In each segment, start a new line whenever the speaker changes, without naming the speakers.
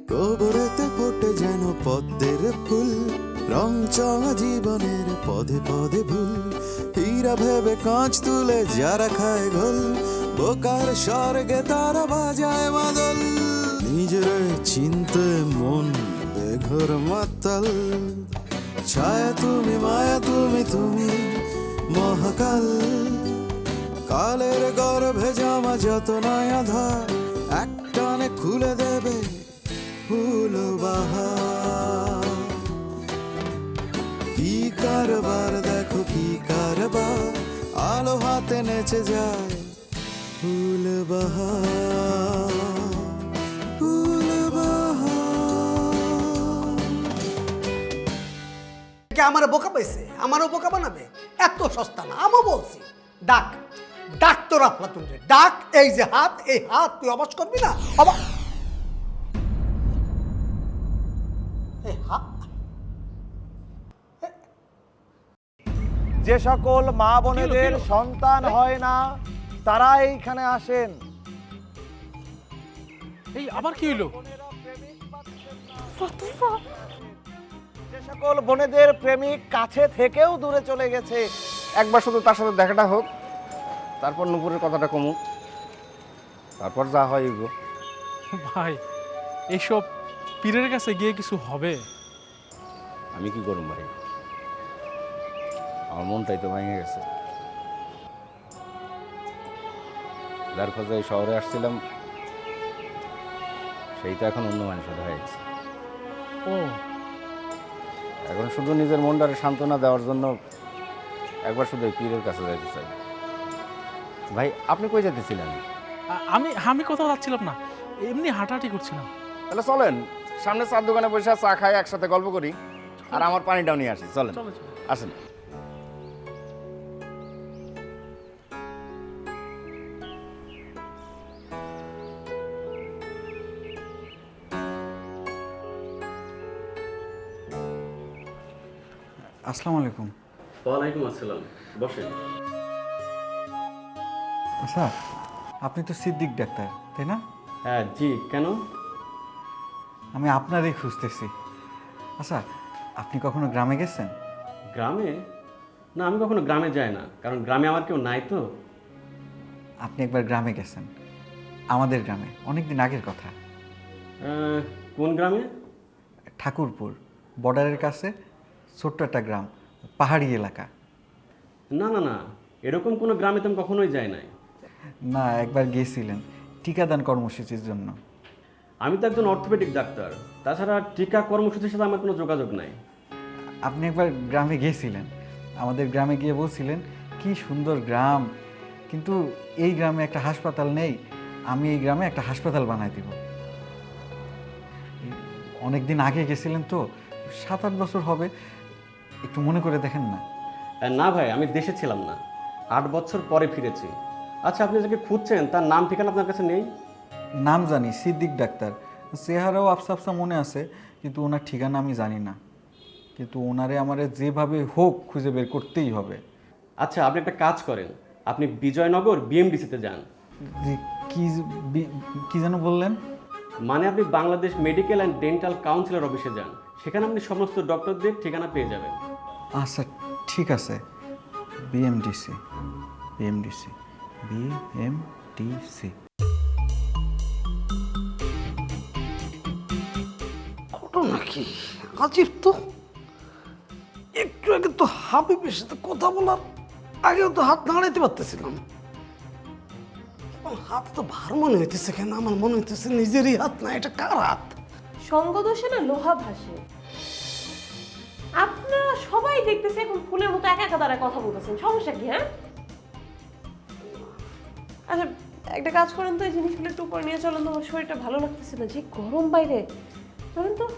গোবরেতে ফোটে যেন পদ্মের ফুল, রং চঙা জীবনের পদে পদে ভুল। হীরা ভেবে কাঁচ তুলে যারা খায় ঘোল, বোকার স্বর্গে তারা বাজায় মাদল। নিজের চিনতে মন বেঘর মাতাল, ছায়া তুমি মায়া তুমি তুমি মহাকাল। কালের গর্ভে জামা যত নয়া ধার, একটানে খুলে দেবে ফুল বাহার। কি কারবার দেখো কি কারবার, আলো হাতে নেচে যায় ফুল বাহার, ফুল বাহার।
কে আমার বোকা পাইছে? আমারও বোকা বানাবে? এত সস্তা না। আমও বলছি ডাক, ডাক তোর আফলাতুন রে ডাক। এই যে হাত, এই হাত তুই অবাস করবি না? এই হাত
যে সকল মা বোনেদের সন্তান হয় না তারা এইখানে আসেন।
এই আবার কি হইলো?
যে সকল বোনেদের প্রেমিক কাছে থেকেও দূরে চলে গেছে, একবার শুধু তার সাথে দেখাটা হোক, তারপর নুপুরের কথাটা কমুক, তারপর যা হয় এগো।
ভাই এইসব পীরের কাছে গিয়ে কিছু হবে?
আমি কি করুম ভাই, আমার মনটাই তো ভেঙে গেছে। যার খোঁজে এই শহরে আসছিলাম সেই তো এখন অন্য মানুষের হয়ে গেছে।
ও
এখন শুধু নিজের মনটারে সান্ত্বনা দেওয়ার জন্য একবার শুধু এই পীরের কাছে যাইতে চাই। ভাই আপনি কই যেতেছিলেন?
আমি আমি কোথাও যাচ্ছিলাম না, এমনি হাঁটাহাঁটি করছিলাম।
তাহলে চলেন সামনে চার দোকানে বসে চা খাই, একসাথে গল্প করি, আর আমার পানিটাও নিয়ে আসি। চলেন
চলো চলো।
আসেন।
আসসালামু আলাইকুম।
ওয়ালাইকুম আসসালাম, বসেন।
আচ্ছা, আপনি তো সিদ্দিক ডাক্তার তাই না?
হ্যাঁ জি, কেন?
আমি আপনারই খুঁজতেছি। আচ্ছা, আপনি কখনো গ্রামে গেছেন?
গ্রামে? না, আমি কখনো গ্রামে যাই না, কারণ গ্রামে আমার কেউ নাই তো।
আপনি একবার গ্রামে গেছেন, আমাদের গ্রামে, অনেক দিন আগের কথা।
কোন গ্রামে?
ঠাকুরপুর বর্ডারের কাছে ছোট্ট একটা গ্রাম, পাহাড়ি এলাকা।
না না না, এরকম কোনো গ্রামে তো আমি কখনোই যাই নাই।
না, একবার গিয়েছিলেন টিকাদান কর্মসূচির জন্য।
আমি তো একজন অর্থোপেডিক ডাক্তার, তাছাড়া টিকা কর্মসূচির সাথে আমার কোনো যোগাযোগ নাই।
আপনি একবার গ্রামে গিয়েছিলেন, আমাদের গ্রামে গিয়ে বলছিলেন কি সুন্দর গ্রাম, কিন্তু এই গ্রামে একটা হাসপাতাল নেই, আমি এই গ্রামে একটা হাসপাতাল বানাই দিব। অনেক দিন আগে গেছিলেন তো, 7-8 বছর হবে, একটু মনে করে দেখেন না।
না ভাই, আমি দেশে ছিলাম না, 8 বছর পরে ফিরেছি। আচ্ছা, আপনি যাকে খুঁজছেন তার নাম ঠিকানা আপনার কাছে নেই?
নাম জানি সিদ্দিক ডাক্তার, চেহারাও আফসা আফসা মনে আছে, কিন্তু ওনার ঠিকানা আমি জানি না। কিন্তু ওনারে আমারে যেভাবে হোক খুঁজে বের করতেই হবে।
আচ্ছা, আপনি একটা কাজ করেন, আপনি বিজয়নগর বিএমডিসিতে যান।
যে কি যেন বললেন?
মানে আপনি বাংলাদেশ মেডিকেল অ্যান্ড ডেন্টাল কাউন্সিলের অফিসে যান, সেখানে আপনি সমস্ত ডক্টরদের ঠিকানা পেয়ে যাবেন।
আচ্ছা ঠিক আছে, বিএমডিসি বিএমডিসি বিএমডিসি।
ঘটনা কি আজীব তো। একটু আগে তো হাবিবের সাথে কথা বলার আগেও তো হাত নাড়াইতে পারতেছিলাম, হাত তো ভার মনে হইতেছে। কেন আমার মনে হইতেছে নিজেরই হাত না, এটা কার হাত?
সঙ্গদোষে না লোহা ভাসে। আপনারা সবাই দেখতেছে এখন ফুলের মতো একা একা দাঁড়ায় কথা বলতেছেন, সমস্যা কি? হ্যাঁ আচ্ছা, একটা কাজ করেন তো, এই জিনিসগুলো একটু উপর নিয়ে চলেন তো, আমার শরীরটা ভালো লাগতেছে না, যে গরম বাইরে। চলেন তো।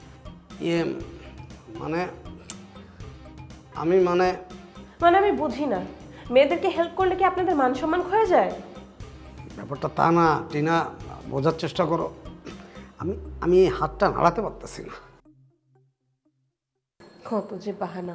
মানে আমি মানে
আমি বুঝি না, মেয়েদেরকে হেল্প করলে কি আপনাদের মান সম্মান ক্ষয়ে যায়?
ব্যাপারটা তা না টিনা, বোঝার চেষ্টা করো। আমি এই হাতটা নাড়াতে পারতেছি না।
কত যে বাহানা।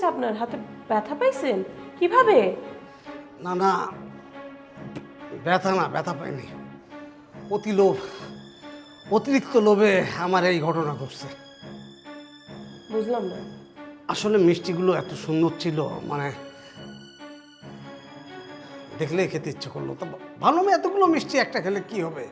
হয়েছে আপনার? হাতে ব্যথা পাইছেন? কিভাবে?
না না, ব্যথা না, ব্যথা পাইনি। অতি লোভ, অতিরিক্ত লোভে আমার এই ঘটনা ঘটছে।
বুঝলাম না।
আসলে মিষ্টিগুলো এত সুন্দর ছিল, মানে দেখলেই খেতে ইচ্ছে করলো। তো ভাবলাম এতগুলো মিষ্টি একটা খেলে কি হবে,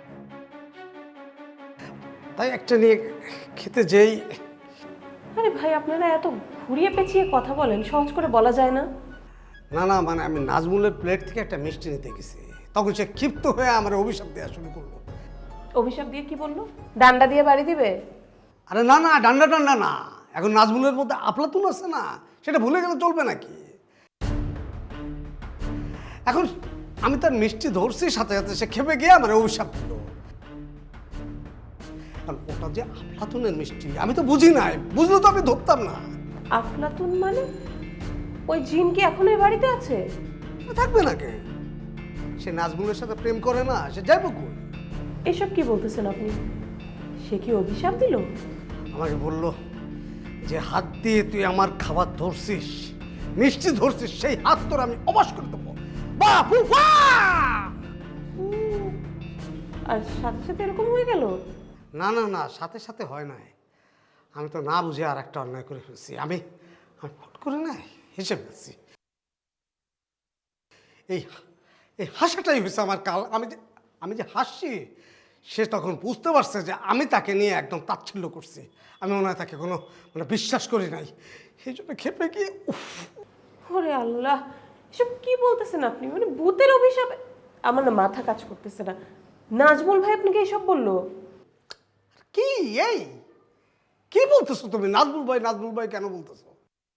তাই একটা নিয়ে খেতে যেই।
আরে ভাই, আপনারা এত ঘুরিয়ে পেঁচিয়ে কথা বলেন, সহজ করে বলা যায় না?
না না, মানে আমি নাজমুলের প্লেট থেকে একটা মিষ্টি নিতে গেছি, তখন সে ক্ষিপ্ত হয়ে আমার অভিশাপ দেওয়া শুরু করলো।
অভিশাপ দিয়ে কি বললো? ডান্ডা দিয়ে বাড়ি দিবে?
আরে না না, ডান্ডা ডান্ডা না, এখন নাজমুলের মধ্যে আফলাতুন আছে না, সেটা ভুলে গেলে চলবে নাকি? এখন আমি তার মিষ্টি ধরছি, সাথে সাথে সে খেপে গিয়ে আমার অভিশাপ দিল। কারণ ওটা যে আফলাতুনের মিষ্টি আমি তো বুঝি নাই, বুঝলে তো আমি ধরতাম না।
আফলাতুন মানে? ওই জিন কি এখনো এই বাড়িতে আছে?
থাকবে না কে? সে নাজমুলের সাথে প্রেম করে না, সে যাইব কই?
এসব কি বলতেছেন আপনি? সে কি অভিশাপ দিল?
আমাকে বলল যে হাত দিয়ে তুই আমার খাবার ধরছিস, মিষ্টি ধরছিস, সেই হাত তোর আমি অবাস করে দেবো। বাপু
আর সাথে সাথে এরকম হয়ে গেল?
না না না, সাথে সাথে হয় নাই। আমি তো না বুঝে আর একটা অন্যায় করে ফেলছি। আমি ফট করে নাই হেসে ফেলছি। এই এই হাসাটাই হয়েছে আমার কাল। আমি যে হাসছি, সে তখন বুঝতে পারছে যে আমি তাকে নিয়ে একদম তাচ্ছিল্য করছি। আমি মনে হয় তাকে কোনো মানে বিশ্বাস করি নাই, সেই জন্য খেপে গিয়ে উফ।
ওরে আল্লাহ, এসব কি বলতেছেন আপনি? মানে ভূতের অভিশাপ? আমার না মাথা কাজ করতেছে না। নাজমুল ভাই আপনাকে এসব বললো?
কি এই কি বলতেছো তুমি? নাজমুল ভাই কেন বলতেছো?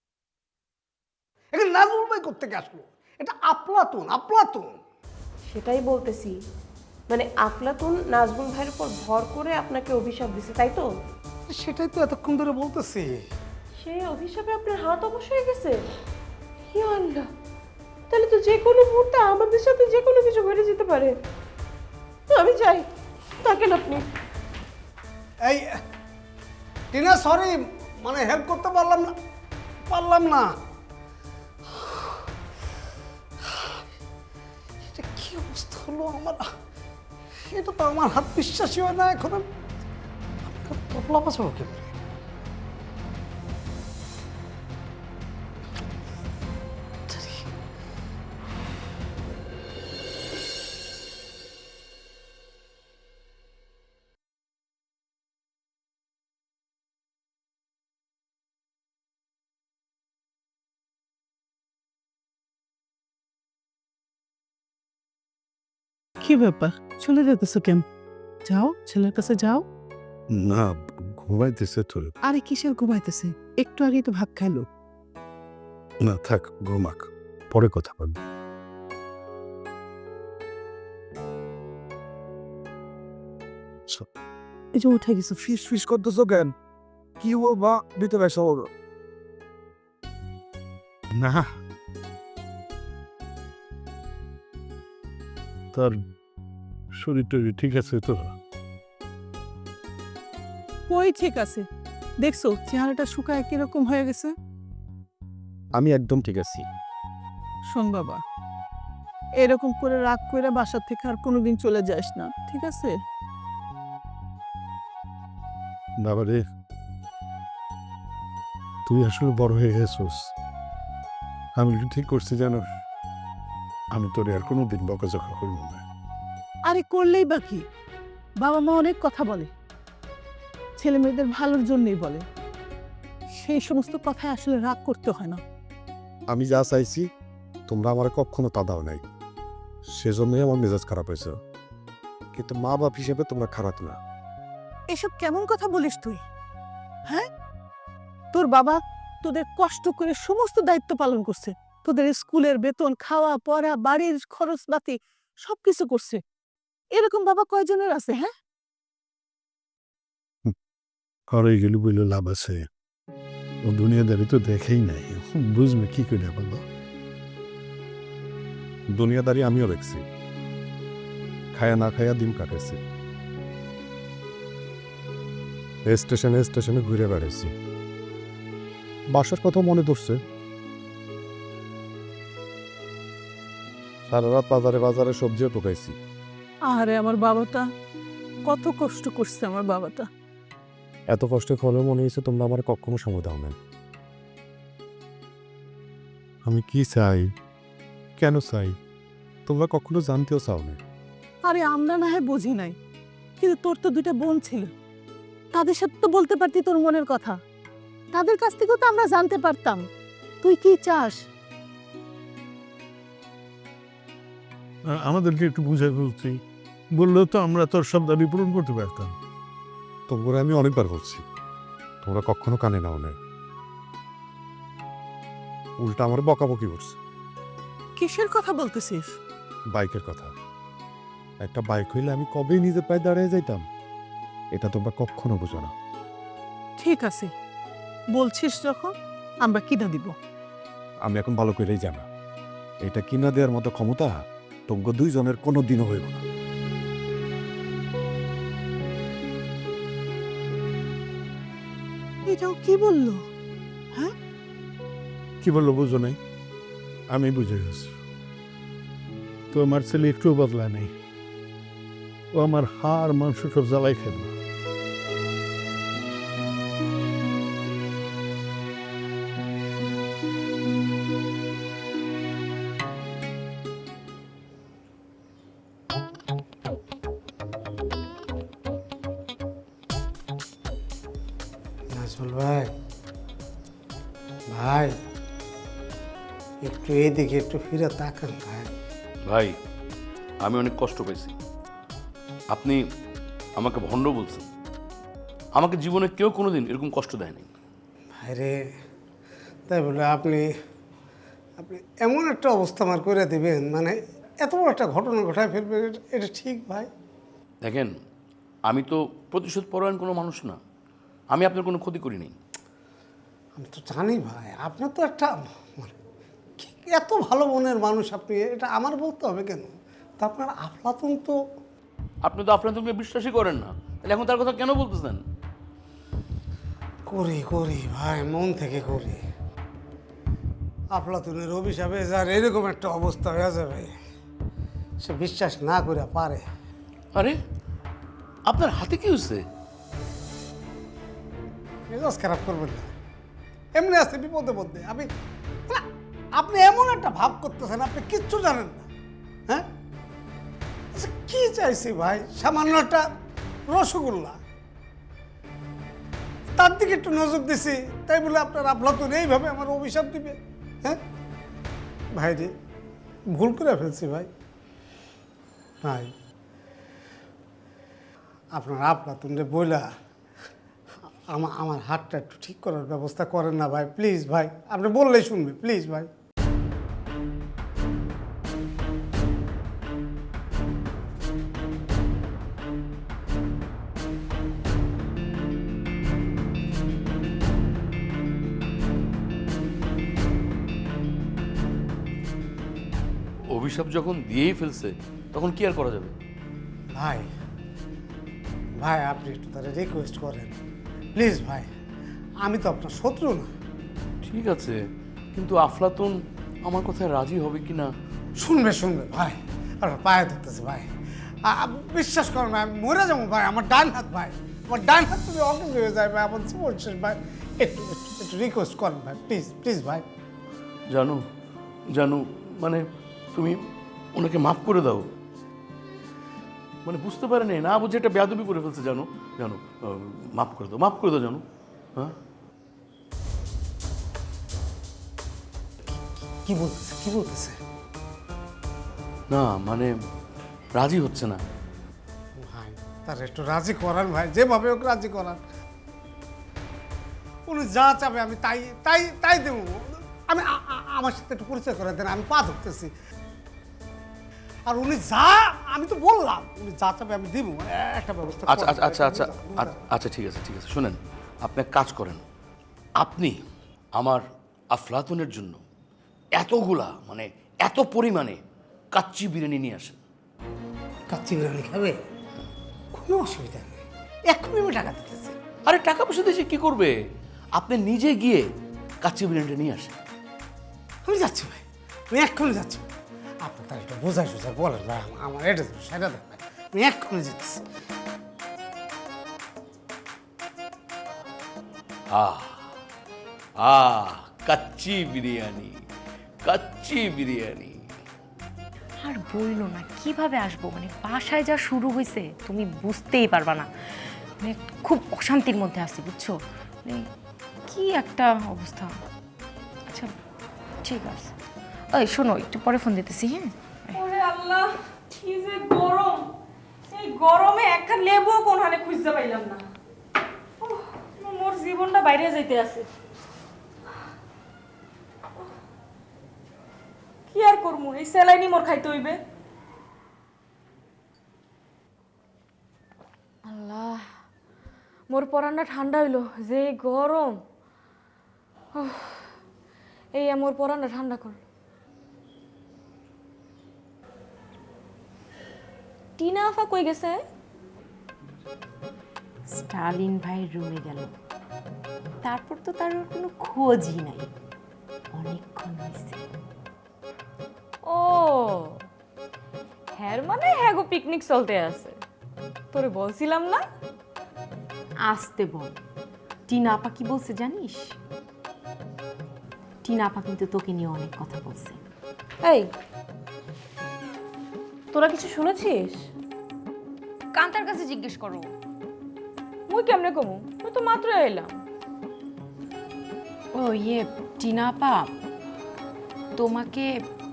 এখানে নাজমুল ভাই কোত্থেকে আসলো? এটা আফলাতুন।
সেটাই বলতেছি, মানে আফলাতুন নাজমুল ভাইয়ের উপর ভর করে আপনাকে অভিশাপ দিছে, তাই তো?
সেটাই তো এতক্ষণ ধরে বলতেছি।
সেই অভিশাপে আপনার হাত অবশ হয়ে গেছে? ইয়া আল্লাহ, তাহলে তো যে কোনো মুহূর্তে আমাদের সাথে যে কোনো কিছু ঘটে যেতে পারে। আমি চাই থাকেন আপনি।
এই টিনা, সরি, মানে হেল্প করতে পারলাম না। এটা কি অবস্থা হলো আমার? এটা তো আমার হাত বিশ্বাসই হয় না এখন। তবলা বাজাবো কি করে?
কি ব্যাপার, চলে যেতেছো কেন? যাও, ছেলের কাছে যাও।
না, ঘুমাইতেছে তো।
আরে কিসের ঘুমাইতেছে? একটু আগেই তো ভাত খাইলো।
না থাক, ঘুমাক, পরে কথা বলবো।
এই যে উঠে গেছো।
ফিস করতেছো কেন? কি ও বা ভিতরে এসো। না, তার শরীর টরীর ঠিক আছে তো?
কই ঠিক আছে? দেখছো চেহারাটা শুকায় কিরকম হয়ে গেছে?
আমি একদম ঠিক আছি।
শোন বাবা, এরকম করে রাগ করে বাসা থেকে আর কোনোদিন চলে যাস না, ঠিক আছে?
বাবা রে, তুই আসলে বড় হয়ে গেছিস। আমি ঠিক করছি জানো, আমি তোর আর কোনোদিন বকাঝকা করবো না।
আরে করলেই বা কি? বাবা মা অনেক কথা বলে, ছেলে মেয়েদের ভালোর জন্যই বলে। সেই সমস্ত কথায় আসলে রাগ করতে হয় না।
আমি যা চাইছি তোমরা আমার কখনো তা দাও নাই, সেজন্যই আমার মেজাজ খারাপ হয়েছে। কিন্তু মা বাপ হিসেবে তোমরা খারাপ না।
এসব কেমন কথা বলিস তুই? হ্যাঁ, তোর বাবা তোদের কষ্ট করে সমস্ত দায়িত্ব পালন করছে, তোদের স্কুলের বেতন, খাওয়া পড়া, বাড়ির খরচ পাতি সবকিছু করছে। এরকম বাবা কয়জনের আছে? হ্যাঁ,
আর এইগুলি বললে লাভ আছে? ও দুনিয়াদারি তো দেখেই নাই, বুঝবে কি করে বললো? দুনিয়াদারি আমিও দেখছি, খায়া না খায়া দিন কাটেছি, স্টেশনে ঘুরে বেড়াইছি। বাসার কথা মনে পড়ছে, সারা রাত বাজারে বাজারে সবজিও টোকাইছি।
আরে আমার বাবাটা কত কষ্ট করছে আমার বাবাটা।
এত কষ্টে হলেও মনে হয়েছে তোমরা আমার কখনো সময় দাও না। আমি কি চাই, কেন চাই, তোমরা কখনো জানতেও চাও না।
আরে আমরা না হয় বুঝি নাই, কিন্তু তোর তো দুইটা বোন ছিল, তাদের সাথে তো বলতে পারতি তোর মনের কথা। তাদের কাছ থেকেও তো আমরা জানতে পারতাম তুই কি চাস।
আমাদেরকে একটু বুঝাই বলছি, বললেও তো আমরা তোর সব দাবি পূরণ করতে পারতাম।
তোমরা আমি অনেকবার বলছি, তোমরা কখনো কানে নাও না, উল্টা আমার বকাবকি করছে।
কিসের কথা বলতেছিস?
বাইকের কথা। একটা বাইক হইলে আমি কবেই নিজের পায়ে দাঁড়িয়ে যাইতাম, এটা তোমরা কখনো বুঝো না।
ঠিক আছে, বলছিস যখন আমরা কিনা দিব।
আমি এখন ভালো করেই জানা, এটা কিনা দেওয়ার মতো ক্ষমতা তোমরা দুইজনের কোনো দিনও হইব না।
এটাও কি বললো?
কি বললো বুঝো নাই? আমি বুঝে গেছি, তো আমার ছেলে একটুও বদলা নেই, ও আমার হাড় মাংস সব জ্বালাই খাবে।
নাজমুল ভাই, ভাই একটু এইদিকে একটু ফিরে তাকান ভাই।
ভাই, আমি অনেক কষ্ট পেয়েছি। আপনি আমাকে ভণ্ড বলছেন। আমাকে জীবনে কেউ কোনোদিন এরকম কষ্ট দেয়নি।
ভাইরে, তাই বলে আপনি আপনি এমন একটা অবস্থা আমার করে দেবেন, মানে এত বড় একটা ঘটনা ঘটায় ফেলবেন, এটা ঠিক ভাই?
দেখেন, আমি তো প্রতিশোধ পরায়ণ কোনো মানুষ না। আমি আপনার কোনো ক্ষতি করিনি।
আমি তো জানি ভাই, আপনার তো একটা মানে এত ভালো মনের মানুষ আপনি, এটা আমার বলতে হবে কেন? তা আপনার আফলাতুন তো।
আপনি তো আপনার তুমি বিশ্বাসই করেন না, তাহলে এখন তার কথা কেন বলতেছেন?
করি করি ভাই, মন থেকে করি। আফলাতুনের অভিশাপে যার এরকম একটা অবস্থা হয়ে যাবে, সে বিশ্বাস না করে পারে।
আরে, আপনার হাতে কি হচ্ছে?
মেজাজ খারাপ করবেন না, এমনি আছে বিপদে মধ্যে। আমি না, আপনি এমন একটা ভাব করতেছেন, আপনি কিচ্ছু জানেন না। হ্যাঁ, আচ্ছা কি চাইছি ভাই? সামান্য একটা রসগোল্লা, তার দিকে একটু নজর দিছি, তাই বলে আপনার আফলাতুন এইভাবে আমার অভিশাপ দিবে? হ্যাঁ ভাই রে, ভুল করে ফেলছি ভাই। ভাই, আপনার আফলাতুন রে বইলা আমার হাতটা একটু ঠিক করার ব্যবস্থা করেন না ভাই, প্লিজ ভাই। আপনি বললেই শুনবে, প্লিজ ভাই।
অভিশাপ যখন দিয়েই ফেলছে, তখন কি আর করা যাবে?
ভাই ভাই, আপনি একটু তারা রিকোয়েস্ট করেন প্লিজ ভাই। আমি তো আপনার শত্রু না।
ঠিক আছে, কিন্তু আফলাতুন আমার কথায় রাজি হবে কি না?
শুনবে শুনবে ভাই, আপনার পায়ে ধরতেছে ভাই। বিশ্বাস করেন ভাই, আমি মরে যাবো ভাই। আমার ডান হাত ভাই, আমার ডান হাত যদি অকেজ হয়ে যায় ভাই, আমার জীবন শেষ ভাই। একটু একটু একটু রিকোয়েস্ট করেন ভাই, প্লিজ প্লিজ ভাই।
জানো জানো, মানে তুমি ওনাকে মাফ করে দাও। মানে বুঝতে পারেনি, না বুঝে একটা বেয়াদবি করে ফেলছে। জানো জানো, মাফ করে দাও, মাফ করে দাও। জানো, হ্যাঁ
কি বলতেছে, কি বলতেছে?
না মানে রাজি হচ্ছে না।
ভাই, তার একটু রাজি করান ভাই, যেভাবে ওকে রাজি করান। উনি যা চাবে আমি তাই তাই তাই দেবো। আমি আমার সাথে একটু পরিচয় করে দেন, আমি পা ধরতেছি। আর উনি যা, আমি তো বললাম উনি যা চাবে আমি দিব, একটা ব্যবস্থা।
আচ্ছা আচ্ছা আচ্ছা আচ্ছা আচ্ছা, ঠিক আছে ঠিক আছে। শুনেন, আপনি এক কাজ করেন, আপনি আমার আফলাতুনের জন্য এতগুলা মানে এত পরিমাণে কাচ্চি বিরিয়ানি নিয়ে আসেন।
কাচ্চি বিরিয়ানি খাবে? কোনো অসুবিধা নেই, এক্ষুনি আমি টাকা দিতেছি।
আরে টাকা পয়সা দিয়ে কি করবে? আপনি নিজে গিয়ে কাচ্চি বিরিয়ানিটা নিয়ে আসেন।
আমি যাচ্ছি ভাই, আমি এক্ষুনি যাচ্ছি। আপনি তার একটু বোঝাই সোঝাই বলেন ভাই, আমার এটা দেবেন, সেটা দেবেন ভাই, আমি এক্ষুনি যেতেছি।
কাচ্চি বিরিয়ানি, কাচ্চি বিরিয়ানি।
আর বললো না কিভাবে আসবো, মানে বাসায় যা শুরু হয়েছে তুমি বুঝতেই পারবা না, মানে খুব অশান্তির মধ্যে আছি বুঝছো, মানে কি একটা অবস্থা। আচ্ছা ঠিক আছে, ওই শোনো একটু পরে ফোন দিতেছি। হ্যাঁ
ওরে আল্লাহ, কি যে গরম! এই গরমে একটা লেবু কোন হালে খুঁজতে পাইলাম না। উফ, মোর জীবনটা বাইরে যাইতে আছে। কি আর করবো, এই স্যালাইনি মোর খাইতে হইবে। আল্লাহ, মোর পরানটা ঠান্ডা হইলো, যে গরম। উফ, এই মোর পরানটা ঠান্ডা কর। টিনা আফা কই গেছে?
স্টালিন ভাইয়ের রুমে গেল, তারপর তো তার কোনো খোঁজই নাই, অনেকক্ষণ হয়েছে।
ও হ্যাঁ, মানে হ্যাঁ গো, পিকনিক চলতে আছে। তোরে বলছিলাম না?
আসতে বল। টিনা আপা কি বলছে জানিস? টিনা আপা কিন্তু তোকে নিয়ে অনেক কথা বলছে।
এই, তোরা কিছু শুনেছিস?
কান্তার কাছে জিজ্ঞেস করো।
মুই কেমনে কমু, তুই তো মাত্র এলাম।
ও ইয়ে, টিনা আপা তোমাকে,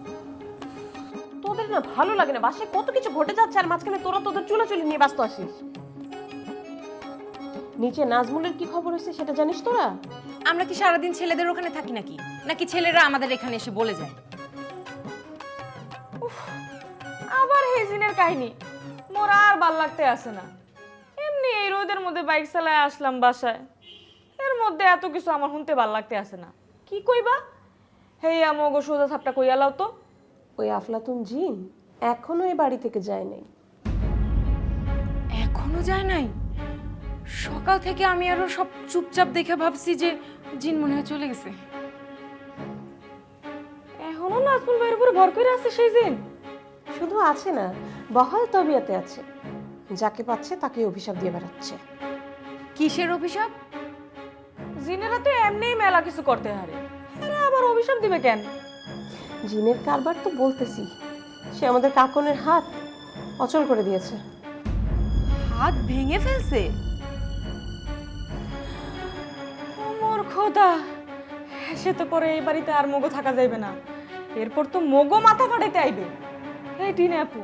তোদের না ভালো লাগে না, বাসায় কত কিছু ঘটে যাচ্ছে আর মাঝখানে তোরা তোদের চুলাচুলি নিয়ে ব্যস্ত আসিস। নিচে নাজমুলের কি খবর হয়েছে সেটা জানিস তোরা?
আমরা কি সারাদিন ছেলেদের ওখানে থাকি নাকি, নাকি ছেলেরা আমাদের এখানে এসে বলে যায়?
আবার হেজিনের কাহিনী, মোর আর ভাল লাগতে আসে না। এমনি এই রোদের মধ্যে বাইক চালায় আসলাম বাসায়, এর মধ্যে এত কিছু আমার শুনতে ভাল লাগতে আসে না। কি কইবা? হেই আমগো সোজা ছাপটা কইয়া লাও তো।
ওই আফলাতুন জিন এখনো এই বাড়ি থেকে যায় নাই।
এখনো যায় নাই? সকাল থেকে আমি আরো সব চুপচাপ দেখে ভাবছি যে জিন মনে হয় চলে গেছে।
এখনো নাজমুল ভাইয়ের উপরে ভর করে আছে সেই জিন?
শুধু আছে না, বহাল তবিয়াতে আছে, যাকে পাচ্ছে তাকে অভিশাপ দিয়ে বেড়াচ্ছে।
কিসের অভিশাপ?
জিনেরা তো এমনিই মেলা কিছু করতে হারে, এরা আবার অভিশাপ দিবে কেন?
জিনের কারবার তো বলতেছি, সে আমাদের কাকনের হাত অচল করে দিয়েছে।
হাত ভেঙে ফেলছে?
মোর খোদা, সে তো পরে এই বাড়িতে আর মগো থাকা যাইবে না, এরপর তো মগো মাথা ফাটাইতে আইবে। এই টিনা আপু,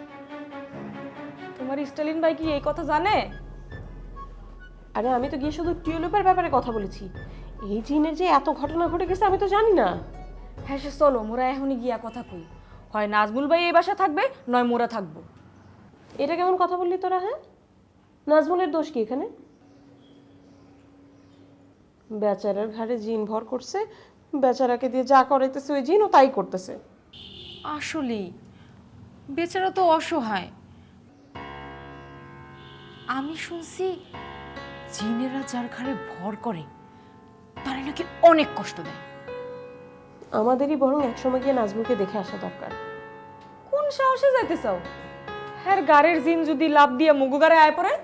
তোমার স্টালিন ভাই কি এই কথা জানে?
আরে আমি তো গিয়ে শুধু টিউলিপের ব্যাপারে কথা বলেছি, এই জিনের যে এত ঘটনা ঘটে গেছে আমি তো জানি না।
হ্যাঁ সে চলো, মোরা এখনই গিয়া কথা কই, হয় নাজমুল ভাই এই বাসা থাকবে, নয় মোরা থাকবো।
এটা কেমন কথা বললি তোরা? হ্যাঁ, নাজমুলের দোষ কি এখানে? বেচারার ঘাড়ে জিন ভর করছে, বেচারাকে দিয়ে যা করাইতেছে ওই জিন ও তাই করতেছে।
আসলেই বেচারা তো অসহায়। আমি শুনছি জিনেরা যার ঘাড়ে ভর করে তারা নাকি অনেক কষ্ট দেয়।
আমাদেরই বরং একসময় গিয়ে নাজমুলকে দেখে আসা দরকার।
কোন সাহসে যাইতে চাও? হ্যাঁ, গাড়ির জিন যদি লাভ দিয়ে মগু গাড়ে আয় পড়ে?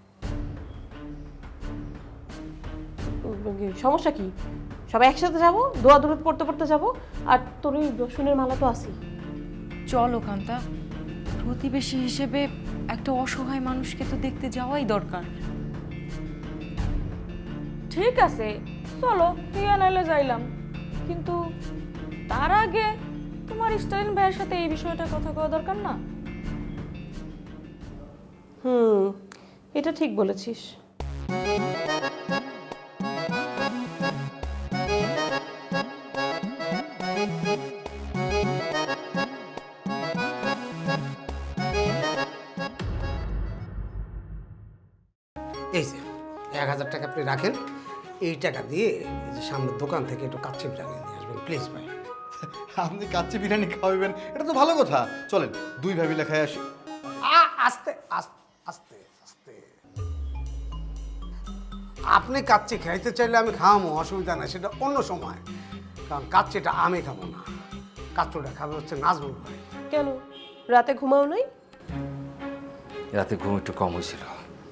সমস্যা কি? সবাই একসাথে যাব, দোয়া দূরত পড়তে পড়তে যাব, আর তোর ওই রসুনের মালা তো আছি।
চলো কান্তা, প্রতিবেশী হিসেবে একটা অসহায় মানুষকে তো দেখতে যাওয়াই দরকার।
ঠিক আছে চলো, টিয়া নাইলে যাইলাম, কিন্তু তার আগে তোমার স্টালিন ভাইয়ের সাথে এই বিষয়টা কথা কওয়া দরকার না?
এটা ঠিক বলেছিস।
এই যে 1000 টাকা আপনি রাখেন, এই টাকা দিয়ে এই যে সামনের দোকান থেকে একটু কাচ্চি বিরিয়ানি নিয়ে আসবেন প্লিজ ভাই।
আপনি কাচ্চি বিরিয়ানি খাওয়াবেন, এটা তো ভালো কথা। চলেন দুই ভাই মিলে খাই আসি।
আস্তে আস্তে আস্তে আস্তে, আপনি কাচ্চি খাইতে চাইলে আমি খাওয়াবো, অসুবিধা নাই, সেটা অন্য সময়, কারণ কাচ্চিটা আমি খাবো না, কাচ্চুটা খাবে হচ্ছে নাজমুল ভাই।
কেন রাতে ঘুমাও নাই?
রাতে ঘুম একটু কম হয়েছিল।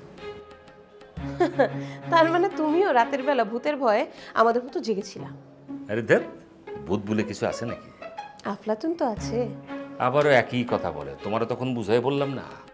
তার মানে তুমিও রাতের বেলা ভূতের ভয়ে আমাদের মতো জেগেছিলা?
আরে দেখ, ভূত বলে কিছু আছে নাকি?
আফলাতুন তো আছে।
আবারও একই কথা বলে, তোমারও তখন বুঝাই বললাম না।